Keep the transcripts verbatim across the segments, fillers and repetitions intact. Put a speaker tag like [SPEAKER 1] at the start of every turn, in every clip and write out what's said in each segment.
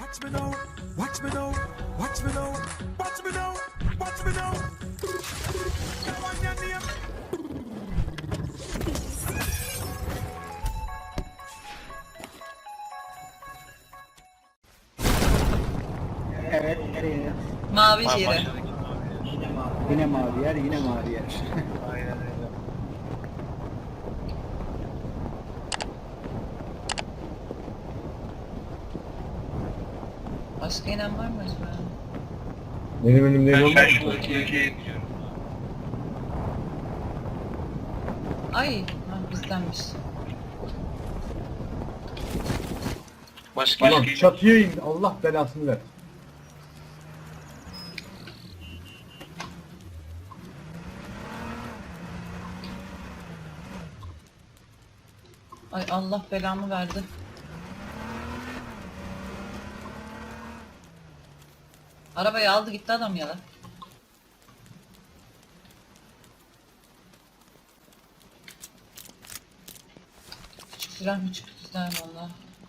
[SPEAKER 1] Watch me now, watch me now, watch me now, watch me now, watch me now. Come on, your name.
[SPEAKER 2] Evet, nereye?
[SPEAKER 3] Mavi
[SPEAKER 4] Ha,
[SPEAKER 3] yere.
[SPEAKER 4] başladık mavi yer.
[SPEAKER 2] Yine mavi, yine mavi yer, yine mavi yer.
[SPEAKER 4] Aynen öyle.
[SPEAKER 3] Başka inen var mı acaba?
[SPEAKER 5] Benim elimde
[SPEAKER 4] Ben
[SPEAKER 5] yol
[SPEAKER 4] ben
[SPEAKER 5] var.
[SPEAKER 4] şu ülkeye gidiyorum.
[SPEAKER 3] Ay, ha, bizdenmiş.
[SPEAKER 4] Başka
[SPEAKER 5] Ulan
[SPEAKER 4] ülkeye
[SPEAKER 5] çatıya in. Allah belasını ver.
[SPEAKER 3] Ay Allah belamı verdi. Arabayı aldı gitti adam ya da. Küçük silah mı çıktı silah valla.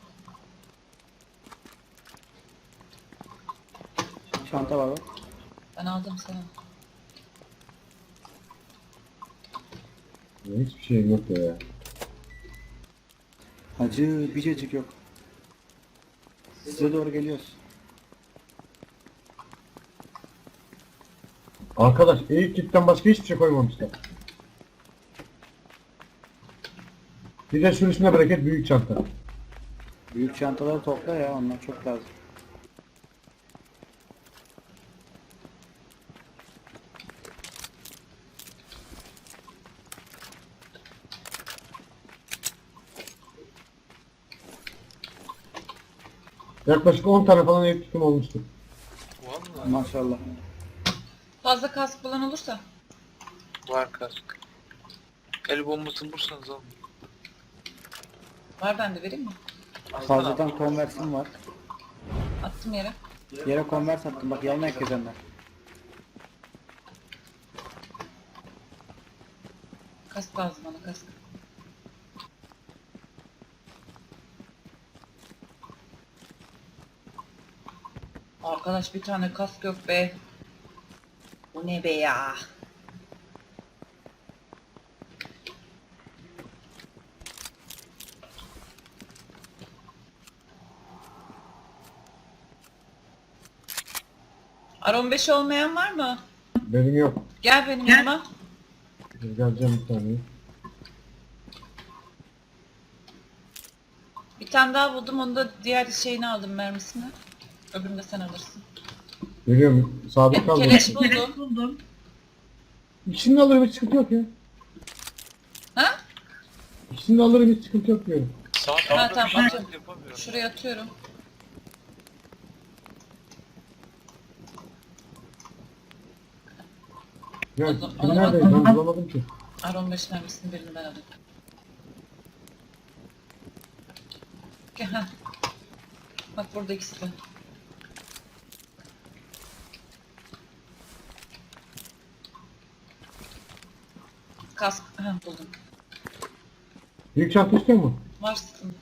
[SPEAKER 2] Çanta var bak.
[SPEAKER 3] Ben aldım sana.
[SPEAKER 5] Ya hiçbir şeyim yok ya.
[SPEAKER 2] Hacı bir cacık yok. Size doğru geliyoruz.
[SPEAKER 5] Arkadaş eğik kitten başka hiçbir şey koymamışlar. Bir de sürüsüne bereket büyük çanta.
[SPEAKER 2] Büyük çantaları topla ya, onlar çok lazım.
[SPEAKER 5] Yaklaşık on tane falan eğik kitim olmuştur.
[SPEAKER 4] Vallahi
[SPEAKER 2] Maşallah.
[SPEAKER 3] Fazla kask bulan olursa.
[SPEAKER 4] var kask. El bombası bulursanız alın.
[SPEAKER 3] Var bende vereyim mi?
[SPEAKER 2] Fazladan konversim var.
[SPEAKER 3] Attım yere.
[SPEAKER 2] Yere konvers attım, bak yanına ekleyenler.
[SPEAKER 3] Kask lazım bana kask. Arkadaş bir tane kask yok be. Bu ne be ya? R on beş olmayan var mı?
[SPEAKER 5] Benim yok.
[SPEAKER 3] Gel benim yanıma.
[SPEAKER 5] Geleceğim bir saniye.
[SPEAKER 3] Bir tane daha buldum, onu da diğer şeyini aldım mermisini. Öbürünü de sen alırsın.
[SPEAKER 5] Geliyorum. Sabit
[SPEAKER 3] Hep
[SPEAKER 5] kaldım.
[SPEAKER 3] keleş buldum.
[SPEAKER 5] İkisini de alırım hiç sıkıntı yok ya.
[SPEAKER 3] Ha?
[SPEAKER 5] İkisini de alırım hiç sıkıntı yok diyorum.
[SPEAKER 4] Sağ
[SPEAKER 3] Ha,
[SPEAKER 4] tarafta
[SPEAKER 3] tamam,
[SPEAKER 4] bir şey
[SPEAKER 3] atıyorum.
[SPEAKER 4] yapamıyorum.
[SPEAKER 3] Şuraya atıyorum.
[SPEAKER 5] Ya
[SPEAKER 3] Aldım,
[SPEAKER 5] kim
[SPEAKER 3] aldım.
[SPEAKER 5] neredeydi ben bulamadım ki.
[SPEAKER 3] R on beş mermisinin birini ben alayım. Gel, ha. Bak burada ikisi de. Kask, ha buldum.
[SPEAKER 5] Büyük çanta istiyor mu?
[SPEAKER 3] Varsın.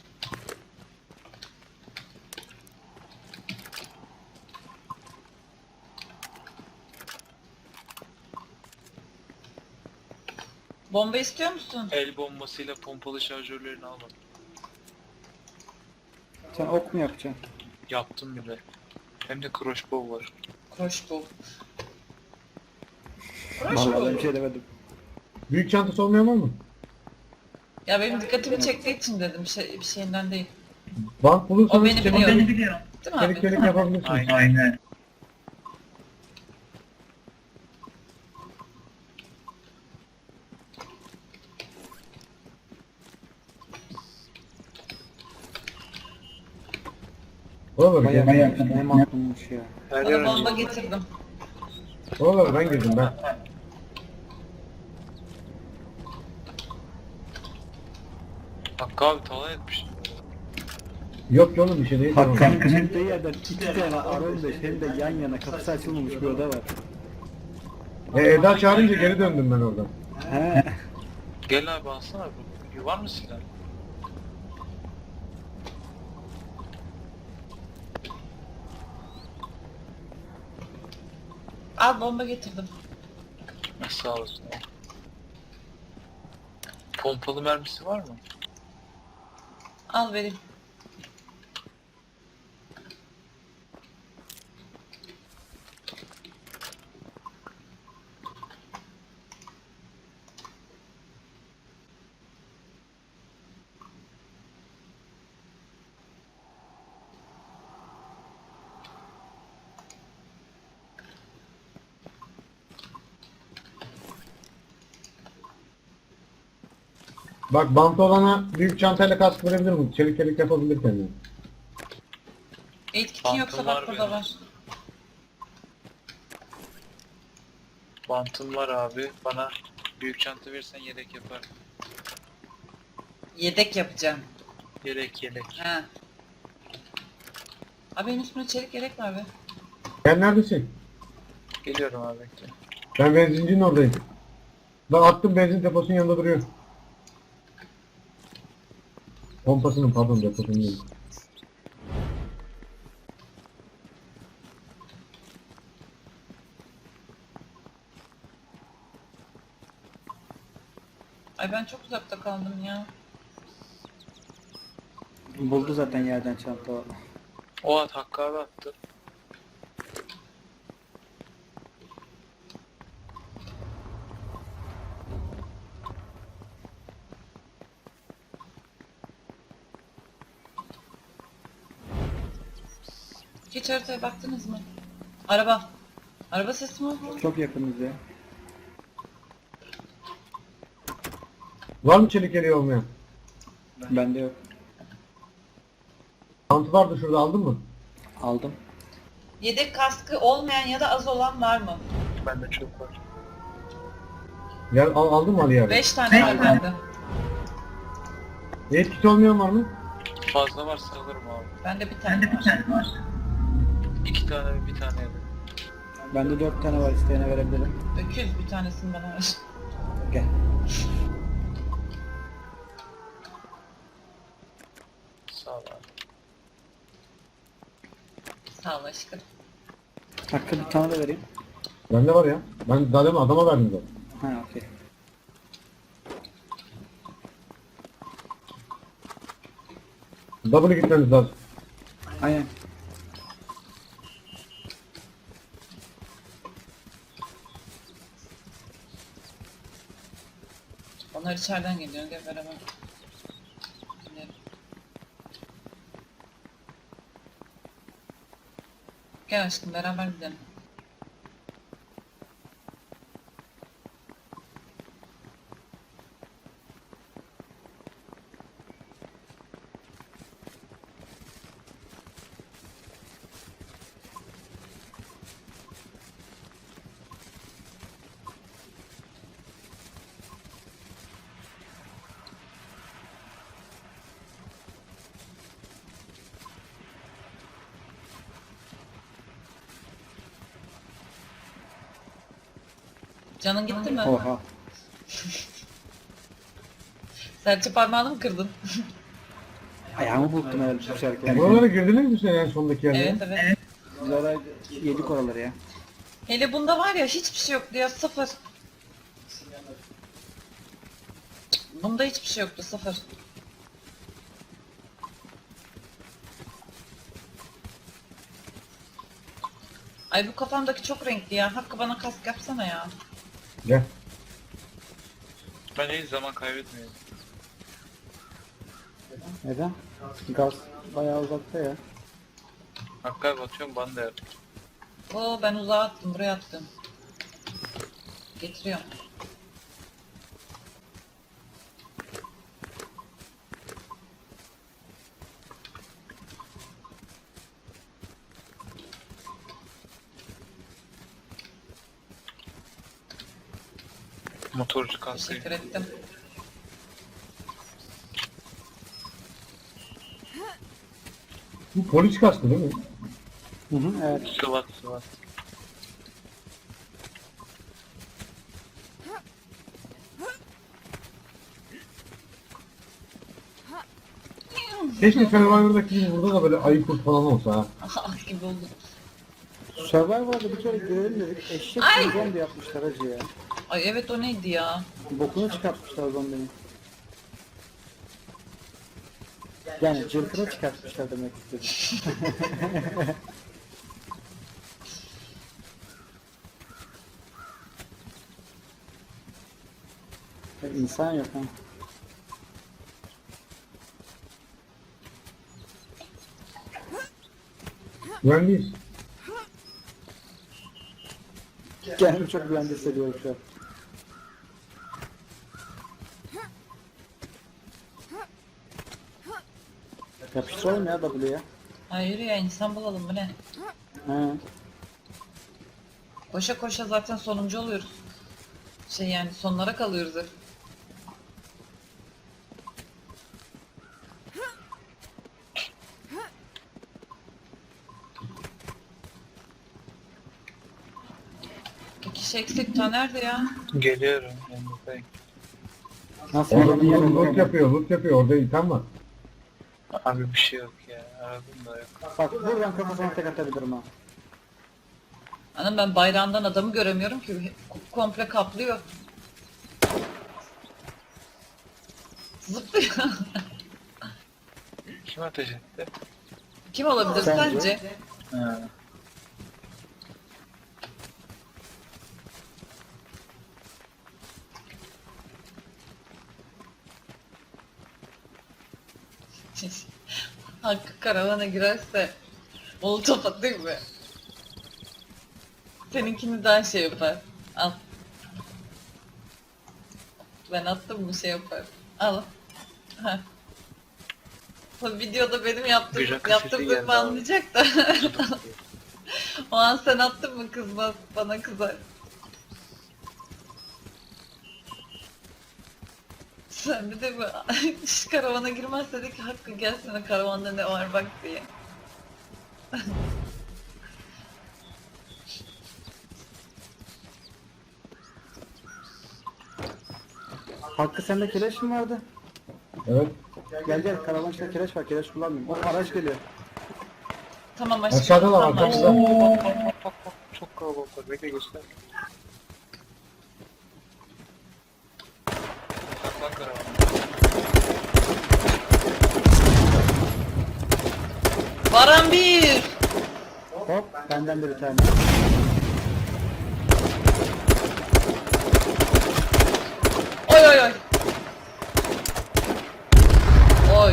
[SPEAKER 3] Bomba istiyor musun?
[SPEAKER 4] El bombasıyla pompalı şarjörlerini almadım.
[SPEAKER 2] Sen ok mu yapacaksın?
[SPEAKER 4] Yaptım bile. Hem de crossbow var.
[SPEAKER 3] Crossbow.
[SPEAKER 2] Vallahi ben bir
[SPEAKER 3] Crossbow.
[SPEAKER 2] şey demedim.
[SPEAKER 5] Büyük çantası olmayan var mı?
[SPEAKER 3] Ya benim dikkatimi çektiği için dedim, bir, şey, bir şeyinden değil.
[SPEAKER 5] Bank
[SPEAKER 3] O
[SPEAKER 5] bulursanız
[SPEAKER 3] beni
[SPEAKER 5] çelik
[SPEAKER 3] biliyor.
[SPEAKER 5] çelik,
[SPEAKER 3] Değil mi abi?
[SPEAKER 5] çelik, çelik yapabilirsiniz.
[SPEAKER 4] Aynen.
[SPEAKER 6] Aynen.
[SPEAKER 5] Oraları
[SPEAKER 2] Bayağı
[SPEAKER 5] ben,
[SPEAKER 2] bayağı ne maklummuş ya.
[SPEAKER 4] Her
[SPEAKER 3] Bana
[SPEAKER 4] yer
[SPEAKER 3] bomba
[SPEAKER 4] önce.
[SPEAKER 3] getirdim.
[SPEAKER 5] oraları ben girdim ben.
[SPEAKER 4] Hakkı abi talan etmiş.
[SPEAKER 5] Yok ki oğlum bir şey değil. Tamam.
[SPEAKER 2] Hakkı'nın çıktığı yerden iki tane R on beş hem de yan yana kapısı açılmamış bir oda var.
[SPEAKER 5] E, Eda çağırınca geri döndüm ben oradan.
[SPEAKER 2] He.
[SPEAKER 4] Gel abi alsana bu. Var mı silah?
[SPEAKER 3] Al bomba getirdim.
[SPEAKER 4] Sağ olasın. Pompalı mermisi var mı?
[SPEAKER 3] Al vereyim.
[SPEAKER 5] Bak bantı olana büyük çantayla kask verebilir mi? Çelik çelik yapabilir kendini.
[SPEAKER 3] Eğit kitin
[SPEAKER 4] Pantolon
[SPEAKER 3] yoksa
[SPEAKER 4] var
[SPEAKER 3] bak burada
[SPEAKER 4] benim.
[SPEAKER 3] var.
[SPEAKER 4] Bantım var abi. Bana büyük çanta verirsen yedek yapar.
[SPEAKER 3] Yedek yapacağım.
[SPEAKER 4] Yedek yedek.
[SPEAKER 3] He. Abi benim üstümde çelik yedek var be.
[SPEAKER 5] Sen neredesin?
[SPEAKER 4] Geliyorum abi bekle.
[SPEAKER 5] Ben benzincinin oradayım. Ben attım benzin deposunun yanında duruyor. Pompasının pardon deposunun değil.
[SPEAKER 3] Ay ben çok uzakta kaldım ya.
[SPEAKER 2] Buldu zaten yerden çanta.
[SPEAKER 4] O at Hakkı abi attı.
[SPEAKER 3] Hiç haritaya baktınız mı? Araba. Araba sesi mi oldu?
[SPEAKER 2] Çok yakınız ya.
[SPEAKER 5] Var mı çelik yeleği olmayan?
[SPEAKER 2] Bende yok.
[SPEAKER 5] Bantı vardı şurada aldın mı?
[SPEAKER 2] Aldım.
[SPEAKER 3] Yedek kaskı olmayan ya da az olan var mı?
[SPEAKER 4] Bende çok var.
[SPEAKER 5] Gel al, aldın mı Ali abi?
[SPEAKER 3] Beş tane var bende.
[SPEAKER 5] Eğit kit olmayan var mı?
[SPEAKER 4] Fazla varsa alırım abi.
[SPEAKER 3] Bende bir tane var.
[SPEAKER 4] İki tane ve bir tane yedim.
[SPEAKER 2] Bende dört tane var, isteyene verebilirim.
[SPEAKER 3] Öküz bir tanesini bana ver.
[SPEAKER 2] Gel.
[SPEAKER 4] Sağ ol abi.
[SPEAKER 3] Sağ ol aşkım.
[SPEAKER 2] Hakkı bir tane de vereyim.
[SPEAKER 5] Bende var ya. Ben daha demin adama verdim zaten.
[SPEAKER 2] Ha okey.
[SPEAKER 5] Double gitmeniz lazım.
[SPEAKER 2] Aynen.
[SPEAKER 3] Onlar içeriden geliyor. Gel beraber. Gidelim. Gel aşkım beraber gidelim. Canın gitti mi?
[SPEAKER 2] Oha.
[SPEAKER 3] Serçe parmağını mı kırdın?
[SPEAKER 2] Ayağımı burktum öyle düşerken.
[SPEAKER 5] Buralara girdiniz mi sen en sondaki yerlere?
[SPEAKER 3] Evet evet.
[SPEAKER 2] Biz oraya yedik oraları ya.
[SPEAKER 3] Hele bunda var ya hiçbir şey yoktu ya sıfır. Bunda hiçbir şey yoktu sıfır. Ay bu kafamdaki çok renkli ya. Hakkı bana kask yapsana ya.
[SPEAKER 5] Gel.
[SPEAKER 4] Ben hiç zaman kaybetmiyorum.
[SPEAKER 2] Neden? Gaz bayağı uzakta ya.
[SPEAKER 4] Hakkı abi atıyorum bana da yap.
[SPEAKER 3] Oo ben uzağa attım buraya attım. Getiriyorum.
[SPEAKER 4] Motorcu kasayı.
[SPEAKER 3] Teşekkür ettim.
[SPEAKER 5] Bu polis kaskı değil mi?
[SPEAKER 2] Hı hı evet.
[SPEAKER 4] Sıvat sıvat.
[SPEAKER 5] Keşke Survivor'daki gibi burada da böyle ayı kurt falan olsa ha.
[SPEAKER 3] Ah gibi oldu.
[SPEAKER 2] Survivor'da bir kere görelim dedik. Eşek
[SPEAKER 3] Ay!
[SPEAKER 2] gibi zombi yapmışlar hacı ya.
[SPEAKER 3] Ay evet, o neydi ya?
[SPEAKER 2] Bokunu çıkartmışlar zombinin. Yani cılkını çıkartmışlar demek istedim. Ya İnsan yok ha.
[SPEAKER 5] Güvendeyiz.
[SPEAKER 2] Kendimi çok güvende hissediyorum şu an. Yapıştıralım ya W'ye.
[SPEAKER 3] Hayır ya, insan bulalım, bu ne?
[SPEAKER 2] He.
[SPEAKER 3] Koşa koşa zaten sonuncu oluyoruz. Şey yani sonlara kalıyoruz hep. İki şey eksik, ta nerede ya?
[SPEAKER 4] Geliyorum. Yanınızdayım.
[SPEAKER 2] Nasıl
[SPEAKER 5] Orada
[SPEAKER 2] bir
[SPEAKER 5] bir
[SPEAKER 2] yerim
[SPEAKER 5] loot
[SPEAKER 2] yok.
[SPEAKER 5] yapıyor, loot yapıyor. Orada item var.
[SPEAKER 4] Abi bir şey yok ya. Aradım da yok.
[SPEAKER 2] Bak buradan kafasına tek atabilirim ha.
[SPEAKER 3] Anam, ben bayrağından adamı göremiyorum ki, komple kaplıyor. Zıplıyor.
[SPEAKER 4] Kim ateş etti?
[SPEAKER 3] Kim olabilir
[SPEAKER 2] Sence?
[SPEAKER 3] sence?
[SPEAKER 4] Ha.
[SPEAKER 3] Hakkı karavana girerse molotof atayım mı? Seninkini daha şey yapar. Al. Ben attım mı şey yapar. Al. Ha. O videoda benim yaptığım,
[SPEAKER 4] Bir rakı
[SPEAKER 3] yaptığım
[SPEAKER 4] sesi geldi
[SPEAKER 3] zırhı
[SPEAKER 4] abi.
[SPEAKER 3] anlayacak da. O an sen attın mı kızmaz, bana kızar. Sen bir de bu şu karavana girmez dedik, Hakkı gelsene karavanda ne var bak diye.
[SPEAKER 2] Hakkı sende kireç mi vardı?
[SPEAKER 5] Evet.
[SPEAKER 2] Gel gel karavan içinde kireç var, kireç kullanmıyorum. O araç geliyor.
[SPEAKER 3] Tamam aşkım.
[SPEAKER 5] Aşağıda da var,
[SPEAKER 3] tamam.
[SPEAKER 5] aşağıda.
[SPEAKER 4] Bak bak bak bak bak. Çok kalabalık var. Bekle göster. Saklan karavan.
[SPEAKER 3] Varan bir.
[SPEAKER 2] Hop benden de bir tane.
[SPEAKER 3] Oy oy oy. Oy.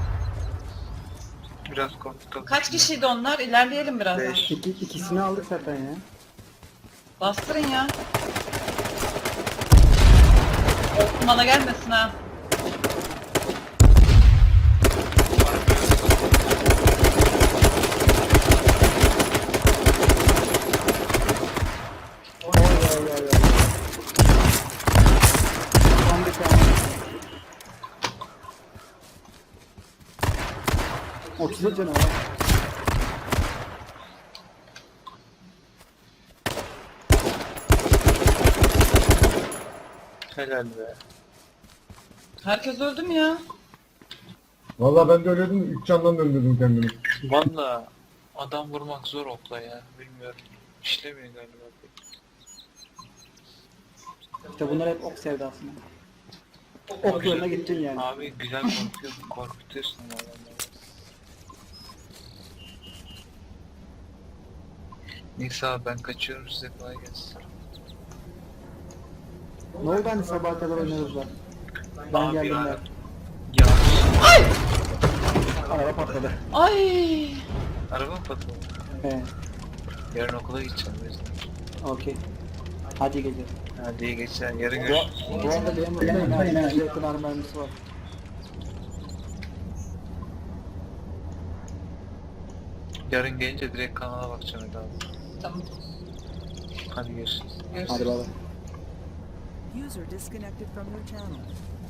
[SPEAKER 4] Biraz korktum.
[SPEAKER 3] Kaç kişiydi onlar? İlerleyelim biraz.
[SPEAKER 4] Beş.
[SPEAKER 2] İki, ikisini aldık zaten ya.
[SPEAKER 3] Bastırın ya. Of, bana gelmesin ha.
[SPEAKER 2] Oy oy oy oy. Son bir tane. otuz yedi canı var.
[SPEAKER 4] Helal be.
[SPEAKER 3] Herkes öldü mü ya?
[SPEAKER 5] Vallahi ben de öyleydim. Üç candan döndürdüm kendimi.
[SPEAKER 4] Valla adam vurmak zor okla ya. Bilmiyorum. İşlemiyor galiba.
[SPEAKER 2] İşte bunlar hep ok sevdasında. Ok yoluna gittin yani.
[SPEAKER 4] Abi güzel korkuyorsun. Korkutuyorsun adamları. Neyse abi ben kaçıyorum, size kolay gelsin.
[SPEAKER 2] Ne oldu hani sabaha kadar oynuyoruz da. Ben
[SPEAKER 4] Abi
[SPEAKER 2] geldim
[SPEAKER 4] ya.
[SPEAKER 2] ben.
[SPEAKER 4] Yağış.
[SPEAKER 2] Araba patladı.
[SPEAKER 3] Ay.
[SPEAKER 4] Araba mı patladı?
[SPEAKER 2] He,
[SPEAKER 4] Yarın okula gideceğim o yüzden.
[SPEAKER 2] okey. Hadi gece.
[SPEAKER 4] Hadi iyi geçer. Yarın
[SPEAKER 2] Bu,
[SPEAKER 4] görüşürüz.
[SPEAKER 2] bu arada benim burada yine yüze yakın arma mermisi var.
[SPEAKER 4] Yarın gelince direkt kanala bakacağım Eda abi.
[SPEAKER 3] Tamam.
[SPEAKER 4] Hadi görüşürüz.
[SPEAKER 3] Görüşürüz.
[SPEAKER 2] Hadi baba.
[SPEAKER 6] User disconnected from your channel.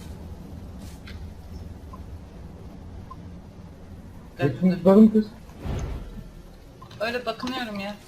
[SPEAKER 5] Hepsini tutadım kız.
[SPEAKER 3] Öyle bakınıyorum ya.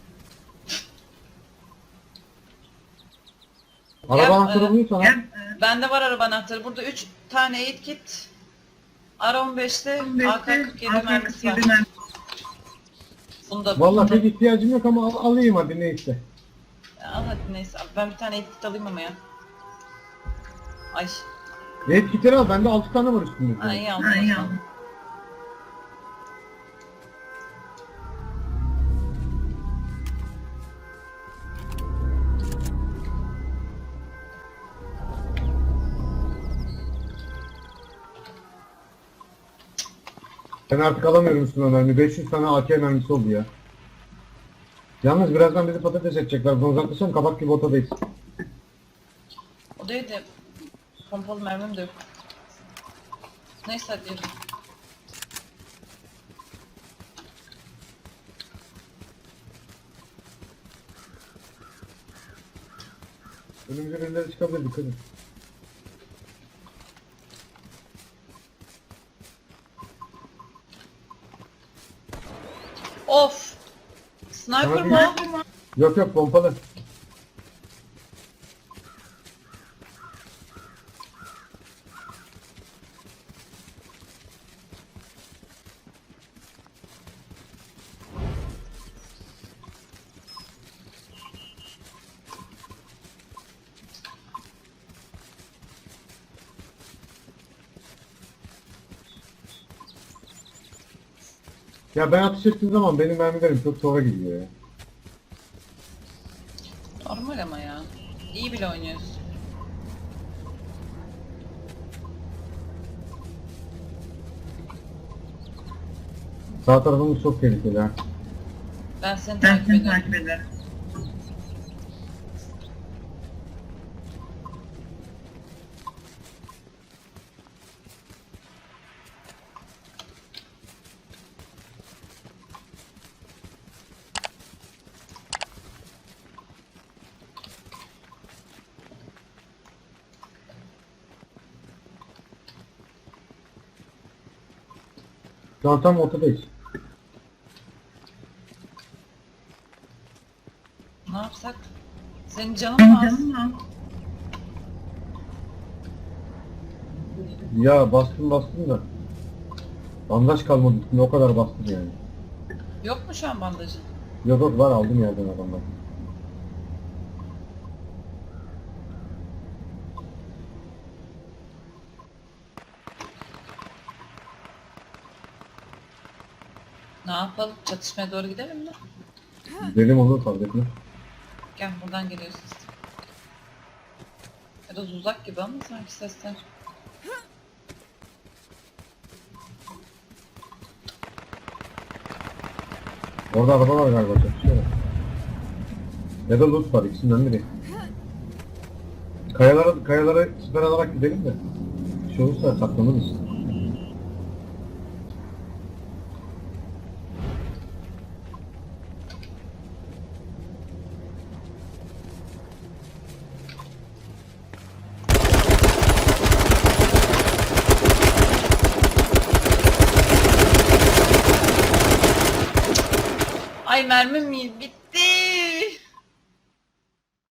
[SPEAKER 5] Araba
[SPEAKER 3] Ya,
[SPEAKER 5] anahtarı
[SPEAKER 3] e,
[SPEAKER 5] bulayım sana.
[SPEAKER 3] Bende var araba anahtarı. Burada üç tane eğit kit. R on beşte A K kırk yedi mermisi var. Bunu da
[SPEAKER 5] Vallahi
[SPEAKER 3] bunu da-
[SPEAKER 5] pek ihtiyacım yok ama al, alayım hadi neyse.
[SPEAKER 3] Al hadi neyse. Abi ben bir tane etkit alayım ama ya. Ay.
[SPEAKER 5] Red kitleri al, bende altı tane var üstünde.
[SPEAKER 3] Ay iyi aldım. o zaman.
[SPEAKER 5] Ben artık alamıyorum üstüne mermi. beş yüz tane A K mermisi oldu ya. Yalnız birazdan bizi patates edecekler. Bunu uzaklaşalım, kabak gibi ortadayız.
[SPEAKER 3] O değil de pompalı mermim de yok. Neyse hadi yürü.
[SPEAKER 5] Önümüze birileri çıkabilir, dikkat edin.
[SPEAKER 3] Of! Sniper
[SPEAKER 5] Sana
[SPEAKER 3] mı?
[SPEAKER 5] değil. Yok yok, pompalı. Ya ben atış ettiğim zaman benim mermilerim çok sonra gidiyor ya.
[SPEAKER 3] Normal ama ya. İyi bile oynuyoruz.
[SPEAKER 5] Sağ tarafımız çok tehlikeli ha.
[SPEAKER 3] Ben seni takip ediyorum.
[SPEAKER 5] Şu an tam ortadayız.
[SPEAKER 3] Ne yapsak? Senin canın mı az?
[SPEAKER 5] Ya bastım bastım da. Bandaj kalmadı üstünde, o kadar bastım yani.
[SPEAKER 3] Yok mu şu an bandajın?
[SPEAKER 5] Yok yok, var, aldım yerden adamlar.
[SPEAKER 3] Ne yapalım? Çatışmaya doğru gidelim mi?
[SPEAKER 5] Dedim olur, fark etmez.
[SPEAKER 3] Gel buradan geliyor ses. Biraz uzak gibi ama sanki sesler.
[SPEAKER 5] Orada araba var galiba, çatışıyorlar. Ya da loot var, ikisinden biri. Kayalara, kayalara siper alarak gidelim de. Bir şey olursa saklanırız.
[SPEAKER 3] Ay mermim mi- bitti.